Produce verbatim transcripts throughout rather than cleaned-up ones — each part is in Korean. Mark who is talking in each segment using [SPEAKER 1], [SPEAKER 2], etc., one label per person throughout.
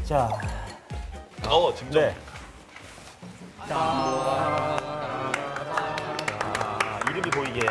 [SPEAKER 1] 자,
[SPEAKER 2] 어, 진짜.
[SPEAKER 1] 네. 자, 이름이 보이게.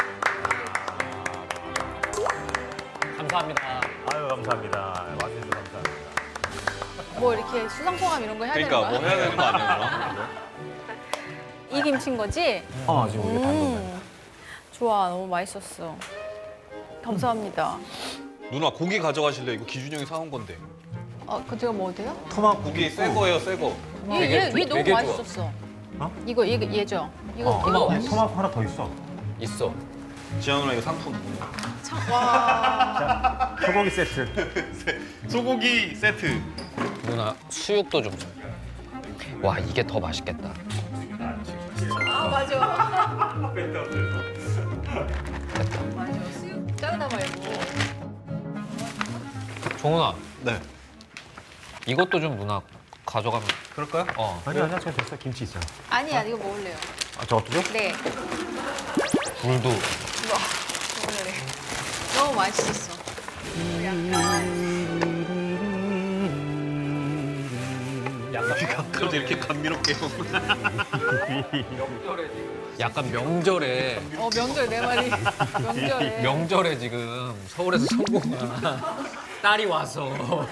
[SPEAKER 3] 감사합니다.
[SPEAKER 1] 아유, 감사합니다. 와주셔서 감사합니다.
[SPEAKER 4] 뭐 이렇게 수상소감 이런 거 해야
[SPEAKER 2] 그러니까
[SPEAKER 4] 되는
[SPEAKER 2] 뭐
[SPEAKER 4] 거야?
[SPEAKER 2] 해야 되는 거 아니에요?
[SPEAKER 4] 이 김치인 거지?
[SPEAKER 1] 어, 지금 우리가 단 건데.
[SPEAKER 4] 음, 좋아, 너무 맛있었어. 감사합니다.
[SPEAKER 2] 누나 고기 가져가실래? 이거 기준이 형이 사온 건데.
[SPEAKER 4] 어, 그 제가 뭐 어때요?
[SPEAKER 1] 토막
[SPEAKER 2] 고기 새 거예요, 새 거.
[SPEAKER 4] 얘,
[SPEAKER 3] 되게-
[SPEAKER 4] 얘, 얘 너무
[SPEAKER 3] 되게 좋아.
[SPEAKER 4] 맛있었어.
[SPEAKER 1] 어?
[SPEAKER 4] 이거 얘, 얘죠? 이거
[SPEAKER 1] 어,
[SPEAKER 4] 이거
[SPEAKER 1] 토막,
[SPEAKER 4] 맛있어.
[SPEAKER 1] 토막 하나 더 있어.
[SPEAKER 3] 있어.
[SPEAKER 2] 지현 누나 이거 상품.
[SPEAKER 4] 참, 와.
[SPEAKER 1] 자, 소고기 세트.
[SPEAKER 2] 소고기 세트.
[SPEAKER 3] 누나 수육도 좀 줘. 와 이게 더 맛있겠다.
[SPEAKER 4] 아, 맞아. 맞아. 수육 자르다 말고.
[SPEAKER 3] 종훈아
[SPEAKER 2] 네.
[SPEAKER 3] 이것도 좀 누나 가져가면.
[SPEAKER 2] 그럴까요?
[SPEAKER 3] 어.
[SPEAKER 1] 아니, 아니야, 저 됐어. 김치 있어.
[SPEAKER 4] 아니야, 이거 먹을래요.
[SPEAKER 1] 아, 저것도요?
[SPEAKER 4] 네.
[SPEAKER 3] 굴도.
[SPEAKER 4] 이거 먹을래. 너무 맛있었어.
[SPEAKER 2] 갑자기 이렇게 감미롭게.
[SPEAKER 3] 약간 명절에
[SPEAKER 4] 어, 명절 내 말이. 명절에.
[SPEAKER 3] 명절에 지금 서울에서 성공한 딸이 와서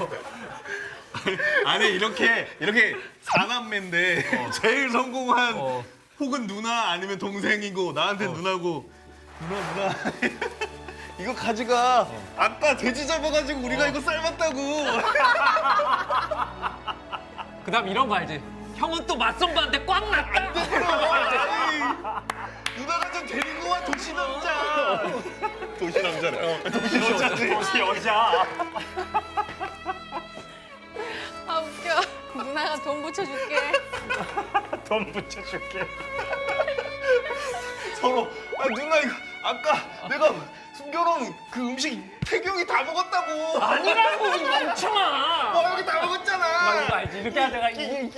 [SPEAKER 2] 아니 이렇게 이렇게 사남매인데 제일 성공한
[SPEAKER 3] 어.
[SPEAKER 2] 혹은 누나 아니면 동생이고 나한테 누나고 누나 누나 이거 가져가. 아까 돼지 잡아가지고 우리가 이거 삶았다고.
[SPEAKER 3] 그다음 이런 거 알지? 형은 또 맞선배한테 꽉 났다.
[SPEAKER 2] 아이, 누나가 좀 데리고 와 도시 남자. 도시 남자래. 도시 여자지.
[SPEAKER 1] 도시 여자.
[SPEAKER 4] 아, 웃겨. 누나가 돈 붙여줄게.
[SPEAKER 1] 돈 붙여줄게.
[SPEAKER 2] 서로 아 누나 이거 아까 내가 숨겨놓은 그 음식 태경이 다 먹었다고.
[SPEAKER 3] 아니라고 이 멍청아.
[SPEAKER 2] 어 여기 다 먹었잖아.
[SPEAKER 3] 나 이거 알지? 이렇게 하다가 이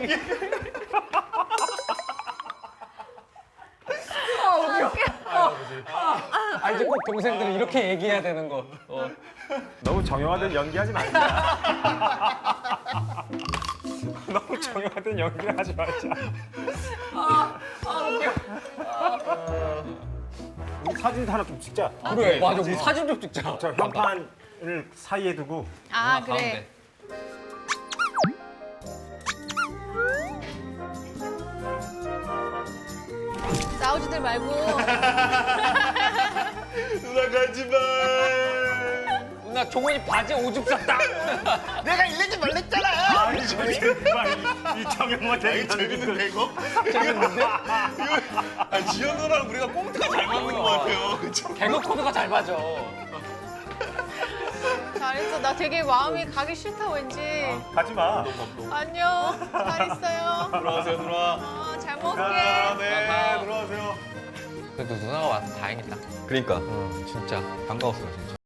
[SPEAKER 3] 아 이제 꼭 동생들은 이렇게 얘기해야 되는 거. 어.
[SPEAKER 1] 너무 정형화된 연기하지 말자. 너무 정형화된 연기를 하지 말자. 우리 사진도 하나 좀 찍자.
[SPEAKER 3] 그래. 맞아. 우리 사진 좀 찍자.
[SPEAKER 1] 저 현판을 사이에 두고.
[SPEAKER 4] 아,
[SPEAKER 3] 누나
[SPEAKER 4] 그래.
[SPEAKER 3] 가운데.
[SPEAKER 4] 싸우지들 말고.
[SPEAKER 2] 누나 가지마.
[SPEAKER 3] 누나 종훈이 바지 오줌 쌌다.
[SPEAKER 2] 내가 일내지 말랬잖아.
[SPEAKER 1] 아니, 저기 이 정형화된
[SPEAKER 2] 이거 재밌는데 이거?
[SPEAKER 3] 재밌는데?
[SPEAKER 2] 아 지현 누나랑 우리가 꽁트가 잘 맞는 것 같아요. 그쵸?
[SPEAKER 3] 개그 코드가 잘 맞아.
[SPEAKER 4] 잘했어. 나 되게 마음이 가기 싫다, 왠지.
[SPEAKER 1] 가지 마.
[SPEAKER 4] 안녕. 잘 있어요.
[SPEAKER 2] 들어가세요 누나.
[SPEAKER 4] 어, 잘
[SPEAKER 2] 아,
[SPEAKER 4] 먹을게.
[SPEAKER 2] 네 들어가세요.
[SPEAKER 3] 그래도 누나가 와서 다행이다.
[SPEAKER 2] 그러니까
[SPEAKER 3] 응, 진짜.
[SPEAKER 2] 반가웠어요 진짜.